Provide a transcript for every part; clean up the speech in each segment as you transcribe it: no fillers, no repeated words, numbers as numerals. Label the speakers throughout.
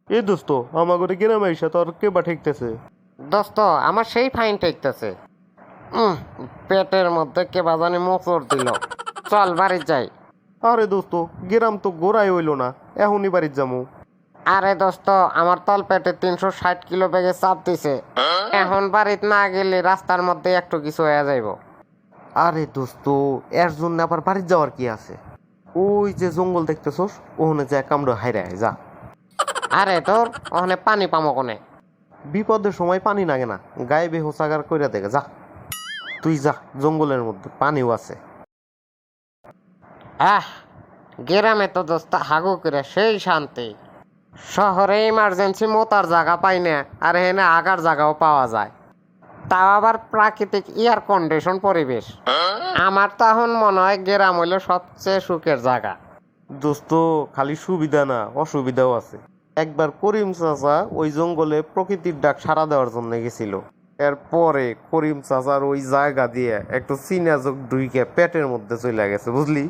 Speaker 1: এ দোস্ত আমাগরে গ্রামে আইসা তোর কে বা ঠেকতেছে?
Speaker 2: দোস্ত আমার সেই ফাইন ঠেকতেছে। পেটের মধ্যে কে বাজানি মোচড় দিল। চল বাড়ি যাই।
Speaker 1: আরে দোস্ত, গ্রাম তো গোড়াই হইলো না, এখনই বাড়ির যামু।
Speaker 2: আরে দোস্ত আমার তল পেটে 360 কিলো ব্যাগে চাপ দিছে। এখন বাড়িত না গেলে রাস্তার মধ্যে একটু কিছু হয়ে যাইব।
Speaker 1: আরে দোস্ত, এর জন্য আবার বাড়ির যাওয়ার কি আছে? ওই যে জঙ্গল দেখতেছস, ওখানে যা কামড় হাইরে আয় যা।
Speaker 2: আরে তোর ওখানে পানি পামো কোনে?
Speaker 1: বিপদের সময় পানি লাগে না, গায়ে বেহোসাগার কইরা দেখে যা। তুই যা, জঙ্গলের মধ্যে পানিও আছে।
Speaker 2: আহ, গ্রামে তো দোস্ত হাগু করে সেই শান্তি। শহরে ইমার্জেন্সি মোতার জায়গা পাই না, আর এখানে আগার জায়গাও পাওয়া যায়। তাও আবার প্রাকৃতিক এয়ার কন্ডিশন পরিবেশ। আমার তো এখন মনে হয় গ্রাম হইল সবচেয়ে সুখের জায়গা।
Speaker 1: দোস্ত, খালি সুবিধা না, অসুবিধাও আছে। একবার করিম চাচা ওই জঙ্গলে প্রকৃতির ডাক সাড়া দেওয়ার জন্য গেছিল। এরপরে করিম চাচার ওই জায়গা দিয়ে একটু চীনা যোগ ঢুইকে পেটের মধ্যে চলে গেছে, বুঝলি?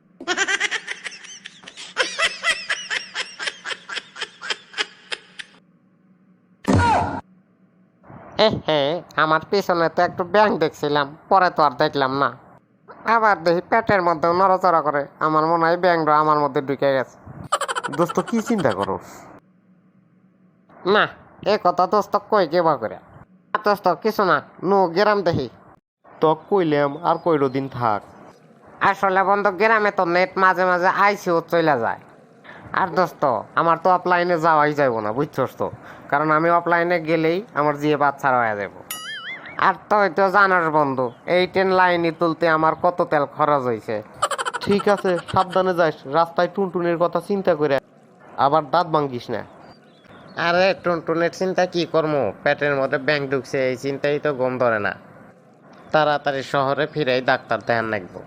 Speaker 2: হে, আমার পিছনে তো একটু ব্যাং দেখছিলাম, পরে তো আর দেখলাম না। আবার দেখি পেটের মধ্যে নড়াচড়া করে, আমার মনে হয় ব্যাংটা আমার মধ্যে ঢুকে গেছে।
Speaker 1: দোস্ত, কি চিন্তা করস?
Speaker 2: না, এ কথা দোস্ত কই কেবা করে। দোস্ত কিছু না, নু গ্রাম দেখি।
Speaker 1: তক কইলাম আর কয়টো দিন থাক।
Speaker 2: আসলে বন্ধু গ্রামে তো নেট মাঝে মাঝে আইসিও চলে যায়। আর দোস্ত আমার তো অফলাইনে যাওয়াই যাইব না, বুঝছস তো। কারণ আমি অফলাইনে গেলেই আমার জিয়ে বাচ্চারা হয়ে যাব। আর তুই তো জানাস বন্ধু, এই ট্রেন লাইনে তুলতে আমার কত তেল খরচ হয়েছে।
Speaker 1: ঠিক আছে, সাবধানে যাস, রাস্তায় টুনটুনির কথা চিন্তা করে আবার দাঁত ভাঙ্গিস না।
Speaker 2: আরে টুনটুনের চিন্তা কি করবো, পেটের মধ্যে ব্যাং ঢুকছে, এই চিন্তাই তো গম ধরে না। তাড়াতাড়ি শহরে ফিরেই ডাক্তার দেখান লাগবো।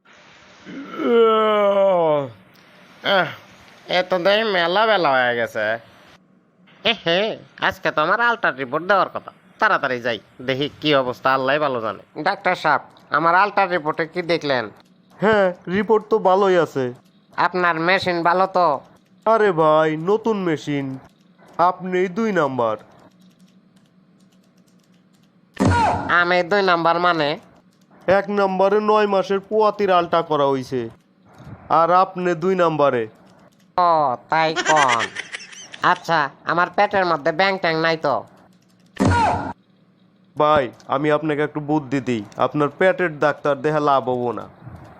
Speaker 2: এ তো দেখি মেলা বেলা হয়ে গেছে। হে, আজকে তো আমার আলট্রা রিপোর্ট দেওয়ার কথা। তাড়াতাড়ি যাই, দেখি কি অবস্থা, আল্লাহ ভালো জানে। ডাক্তার সাহেব, আমার আলট্রা রিপোর্টে কি দেখলেন?
Speaker 1: হ্যাঁ, রিপোর্ট তো ভালোই আছে।
Speaker 2: আপনার মেশিন ভালো তো?
Speaker 1: আরে ভাই, নতুন মেশিন, আপনি 2 নাম্বার।
Speaker 2: আমি 2 নাম্বার মানে?
Speaker 1: 1 নাম্বারে 9 মাসের পোয়াতির আলটা করা হইছে, আর আপনি 2 নাম্বারে।
Speaker 2: ও তাই কন। আচ্ছা, আমার পেটের মধ্যে ব্যাং ট্যাং নাই তো?
Speaker 1: ভাই, আমি আপনাকে একটু বুদ্ধি দিই, আপনার পেটের ডাক্তার দেখা লাভ হবো না।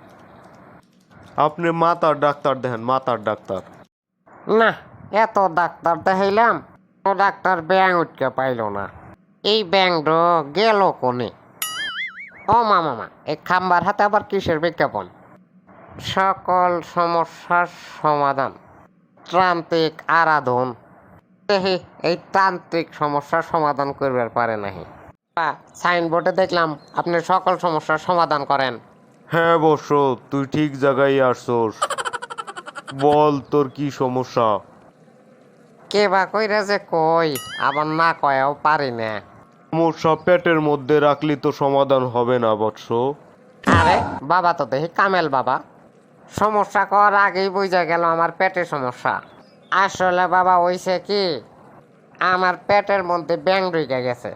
Speaker 1: আপনি মাথার ডাক্তার দেখেন, মাথার ডাক্তার।
Speaker 2: না, এত ডাক্তার দেখাইলাম, ও ডাক্তার ব্যাং উঠকে পাইল না। এই ব্যাংটো গেল কোনে? ও মামা, এই খাম্বার হাতে আবার কিসের বিজ্ঞাপন? সকল সমস্যার সমাধান, তান্ত্রিক আরাধন। দেখি এই তান্ত্রিক সমস্যার সমাধান করবার পারে নাহি। সাইনবোর্ডে দেখলাম আপনি সকল সমস্যার সমাধান করেন।
Speaker 1: হ্যাঁ বর্ষ, তুই ঠিক জায়গায় আসছোস। বল, তোর কি সমস্যা?
Speaker 2: কে বা কইরা যে কই, আবার না কয়েও পারি না।
Speaker 1: সমস্যা পেটের মধ্যে রাখলি তো সমাধান হবে না বৎস।
Speaker 2: আরে বাবা তো দেখি কামেল বাবা। সমস্যা করার আগেই বুঝা গেল আমার পেটের সমস্যা। আসলে বাবা হইছে কি, আমার পেটের মধ্যে ব্যাং ঢুকে গেছে।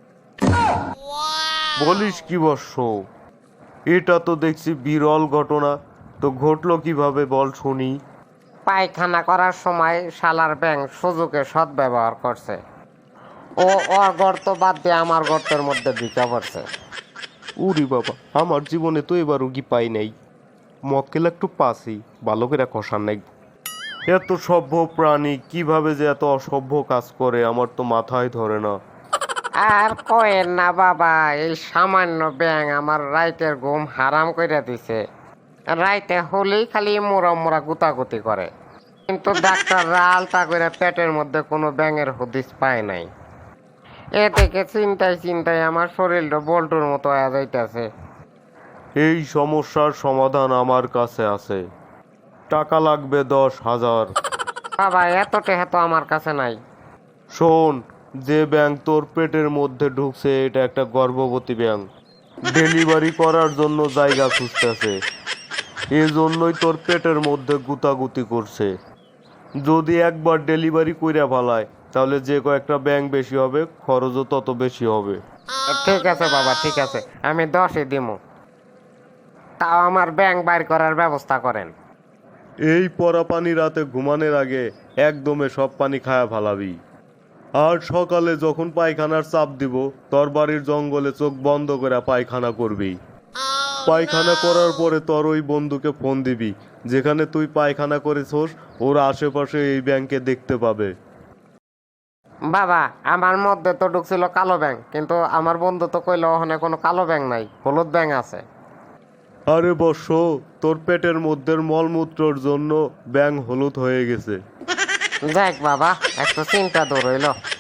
Speaker 1: বলিস কি বর্ষ, এটা তো দেখছি বিরল ঘটনা। তো ঘটলো কিভাবে বল শুনি।
Speaker 2: পায়খানা করার সময় শালার ব্যাং সুযোগে সদ্ব্যবহার করছে। ও ওর গর্ত বাদ দিয়ে আমার গর্তের মধ্যে ঢুকে পড়ছে।
Speaker 1: উরি বাবা, আমার জীবনে তো এবার রুগী পাই নাই। মক্কেল একটু পাসি, ভালো করে কষার নাই। এত সভ্য প্রাণী কিভাবে যে এত অসভ্য কাজ করে আমার তো মাথায় ধরে না।
Speaker 2: আর কয়েন না বাবা, এই সামান্য ব্যাং আমার রাইতের ঘুম হারাম কইরা দিছে। রাইতে হলেই খালি মোরা মোরা গুতাগুতি করে। কিন্তু ডাক্তাররা আলতা করে পেটের মধ্যে কোনো ব্যাঙের হদিস পায় নাই। এ থেকে চিন্তায় চিন্তায় আমার শরীরটা বল্টুর মতো হয়ে যাইতেছে।
Speaker 1: এই সমস্যার সমাধান আমার কাছে আছে। টাকা লাগবে 10,000।
Speaker 2: বাবা এত টাকা তো আমার কাছে নাই।
Speaker 1: শোন, যে ব্যাংক তোর পেটের মধ্যে ঢুকছে এটা একটা গর্ভবতী ব্যাংক। ডেলিভারি করার জন্য জায়গা খুঁজতেছে, এই জন্যই তোর পেটের মধ্যে গুতাগুতি করছে। যদি একবার ডেলিভারি কইরা ফেলায় তাহলে যে কয়েকটা ব্যাংক বেশি হবে, খরচও তত বেশি হবে।
Speaker 2: ঠিক আছে বাবা, ঠিক আছে, আমি 10-ই দিমু। তাও আমার ব্যাংক বাইর করার ব্যবস্থা করেন।
Speaker 1: এই পরা পানি রাতে ঘুমানোর আগে একদমে সব পানি খায়া ফালাবি। আর সকালে যখন পায়খানার চাপ দিব, তোর বাড়ির জঙ্গলে চোখ বন্ধ করে পায়খানা করবি। পায়খানা করার পরে তোর ওই বন্ধুকে ফোন দিবি, যেখানে তুই পায়খানা করেছোস ওর আশেপাশে এই ব্যাংকে দেখতে পাবে।
Speaker 2: বাবা, আমার মধ্যে তো ঢুকছিল কালো ব্যাংক, কিন্তু আমার বন্ধু তো কইলো ওখানে কোনো কালো ব্যাংক নাই, হলুদ ব্যাংক আছে।
Speaker 1: আরে বর্ষ, তোর পেটের মধ্যে মলমূত্রর জন্য ব্যাং হলুদ হয়ে গেছে।
Speaker 2: যাক বাবা, একটু চিন্তা দূর হইলো।